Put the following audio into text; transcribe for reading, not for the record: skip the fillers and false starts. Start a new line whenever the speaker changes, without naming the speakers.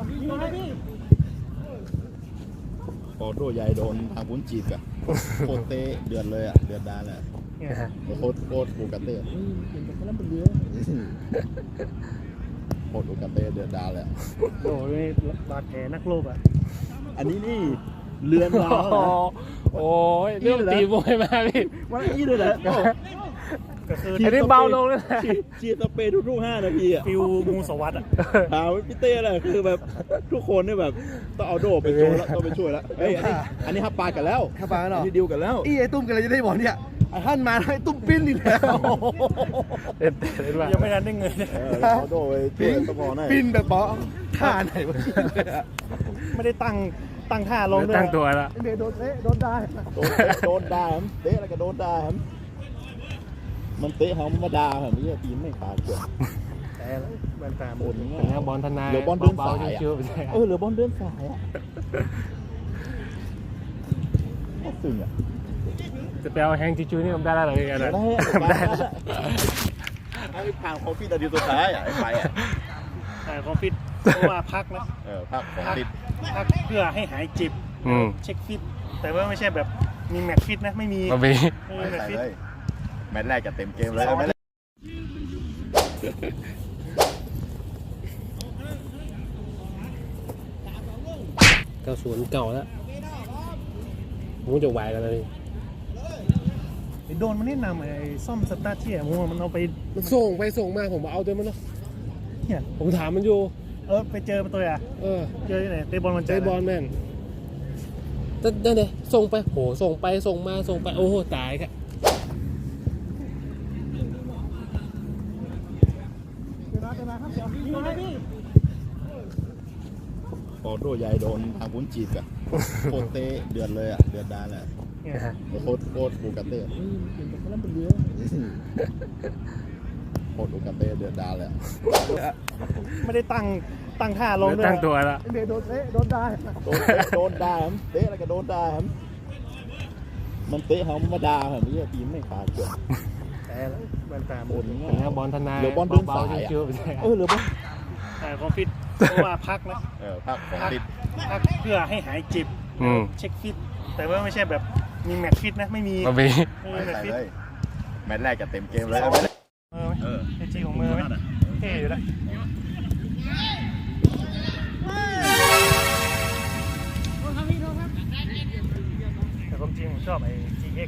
พอโดใหญ่โดนทางพุ้นจีบอะโคตรเตะเดือดเลยอะเดือดดานเลยโคตรปูกาเต้โคตรปูกาเต้เดือดดานเลย
โอ้ยบาดแผลนักโลกอ่ะ
อันนี้นี่เรือนดาว
โอ้ยเรื่องตีมวยมาพี่
มันอีเลยแหละ
ก็คือ
อันนี้เบาลงเลย
ชีสเปรย์ทุก5 นาทีอ่ะ
ฟิวงูสวัสดิ์อ่ะ
ถามพี่เต้เลยคือแบบทุกคนเนี่ยแบบต้องเอาโดไปช่วยแล้วต้องไปช่วยแล้วเฮ้ยอันนี้ฮับปากันแล้ว
ฮับปากันหรอ
ที่ดิวกันแล้ว
ไอ้ตุ้มกันเลยจะได้บอกเนี่ยไอ้ท่านมาให้ตุ้มปิ้นอีกแล้ว
ยังไม่ทันได้เงิน
เอาโดไปช่วยต้องพอหน่อย
ปิ้นแบบบอกท่าไหนวะ
ไม่ได้ตั้งท่าลงด้วย
ตั้งตัวแล้ว
เมย์โดนเตะโดนได้
โดนด่าครับเตะอะไรก็โดนด่าครับมันเตะเขามาด่าครับไม่ใช่ทีมไม่ขาดเกิน
แต่มันตามบน
แล้วบอลทนาย
เหลือบอลเดินสายเหลือบอลเดินสายอ่ะซึ้งอ่ะ
จะไปเอาแฮงจิจูนี่ผมได้แล้วหรือไงนะ
ได้ให้ผ่านโคฟิตนาทีสุดท้ายอ่ะไปอ่ะ
โคฟิตเพราะว่าพักนะ
พัก
เพื่อให้หายเจ็บเช็คฟิตแต่ว่าไม่ใช่แบบมีแมตช์ฟิตนะไม่มี
แมตช์เลยแมตช์แรกจะเต็มเกมเลย
90เก่าแล้วมูจะไหวกันเลย
โดนมันแนะนำไอ้ซ่อมสตาร์ทเที่ยมัวมันเอาไป
ส่งไปส่งมาผมเอาตัวมันเนาะ
เนี่ย
ผมถามมันอยู่
ไปเจอตัวอ่ะเจอที่ไหนเตะบอลมัน
เตะบอลแม่นนั่นเลยส่งไปโหส่งไปส่งมาส่งไปโอ้โหตายครับ
พอโดใหญ่โดนทางพุ้นจีบอะโคตรเตะเดือดเลยอะเดือดดานเลยโคตรปูกาเต้โคตรปูกาเต้เดือดดานเลย
ไม่ได้ตั้งท่าลงด้วย
ตั้งตัวแล้ว
เมย์โดนเตะโดนได้
โดนด่าครับเตะอะไรก็โดนด่าครับมันเตะเขามาด่าครับไม่ใช่ทีมไม่ขาดเกิน
แต่มันตามบน
แล้วบอลทนาย
เหลือบอลเดินสายอ่ะเหลือบอล
โคฟิตเพราะว่าพักนะพักเพื่อให้หายเจ็บเช็คฟิตแต่ว่าไม่ใช่แบบมีแมตช์ฟิตนะไม่มี
แม
ตช์เลยแมตช์แรกจะเต็มเกมเลย
ไอจีของมือไหมเท่อยู่แล้วแต่ความจริงผมชอบไอ้